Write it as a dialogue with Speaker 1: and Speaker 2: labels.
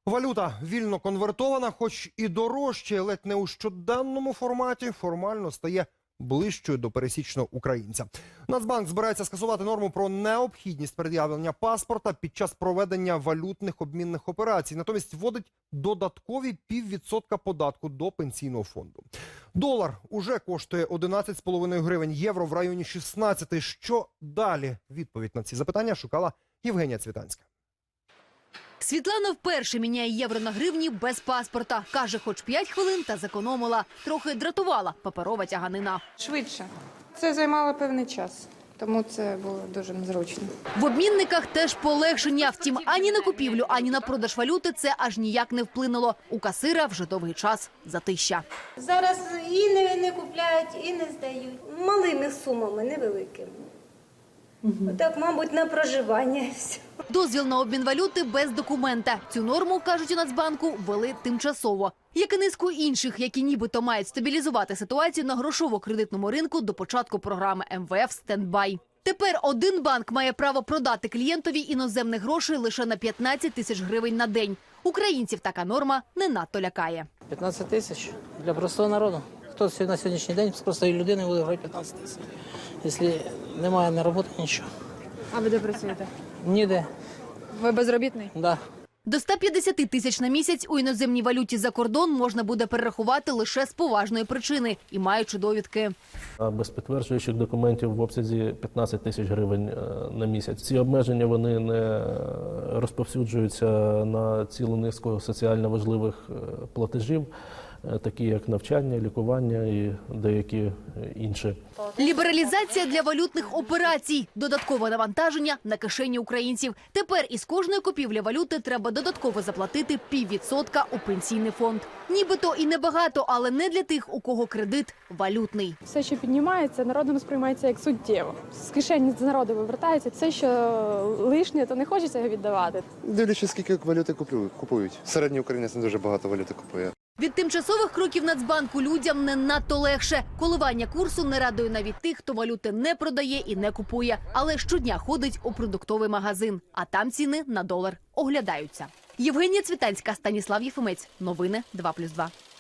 Speaker 1: Валюта вільно конвертована, хоч і дорожче, ледь не у щоденному форматі, формально стає ближчою до пересічного українця. Нацбанк збирається скасувати норму про необхідність пред'явлення паспорта під час проведення валютних обмінних операцій. Натомість вводить додаткові 0,5% податку до пенсійного фонду. Долар уже коштує 11,5 гривень, євро в районі 16. Що далі? Відповідь на ці запитання шукала Євгенія Цвітанська.
Speaker 2: Світлана вперше міняє євро на гривні без паспорта. Каже, хоч 5 хвилин та зекономила. Трохи дратувала паперова тяганина.
Speaker 3: Швидше. Це займало певний час, тому це було дуже незручно.
Speaker 2: В обмінниках теж полегшення. Втім, ані на купівлю, ані на продаж валюти це аж ніяк не вплинуло. У касира вже довгий час затища.
Speaker 4: Зараз і не купляють, і не здають. Малими сумами, невеликими. Так, мабуть, на проживання.
Speaker 2: Дозвіл на обмін валюти без документа. Цю норму, кажуть у Нацбанку, ввели тимчасово. Як і низку інших, які нібито мають стабілізувати ситуацію на грошово-кредитному ринку до початку програми МВФ «Стендбай». Тепер один банк має право продати клієнтові іноземних грошей лише на 15 тисяч гривень на день. Українців така норма не надто лякає.
Speaker 5: 15 тисяч для простого народу. Хто на сьогоднішній день з простої людини буде грати 15 тисяч? Якщо немає на роботи, нічого.
Speaker 3: А ви де працюєте?
Speaker 5: Ніде.
Speaker 3: Ви безробітний?
Speaker 5: Да.
Speaker 2: До 150 тисяч на місяць у іноземній валюті за кордон можна буде перерахувати лише з поважної причини і маючи довідки.
Speaker 6: А без підтверджуючих документів в обсязі 15 тисяч гривень на місяць. Ці обмеження вони не розповсюджуються на цілу низку соціально важливих платежів, такі як навчання, лікування і деякі інші.
Speaker 2: Лібералізація для валютних операцій. Додаткове навантаження на кишені українців. Тепер із кожної купівлі валюти треба додатково заплатити 0,5% у пенсійний фонд. Нібито і небагато, але не для тих, у кого кредит валютний.
Speaker 7: Все, що піднімається, народом сприймається як суттєво. З кишені з народу вивертається. Все, що лишнє, то не хочеться його віддавати.
Speaker 8: Дивлячись, скільки валюти купують. Середній українець не дуже багато валюти купує.
Speaker 2: Від тимчасових кроків Нацбанку людям не надто легше. Коливання курсу не радує навіть тих, хто валюти не продає і не купує, але щодня ходить у продуктовий магазин, а там ціни на долар оглядаються. Євгенія Цвітанська, Станіслав Єфимець. Новини 2+2.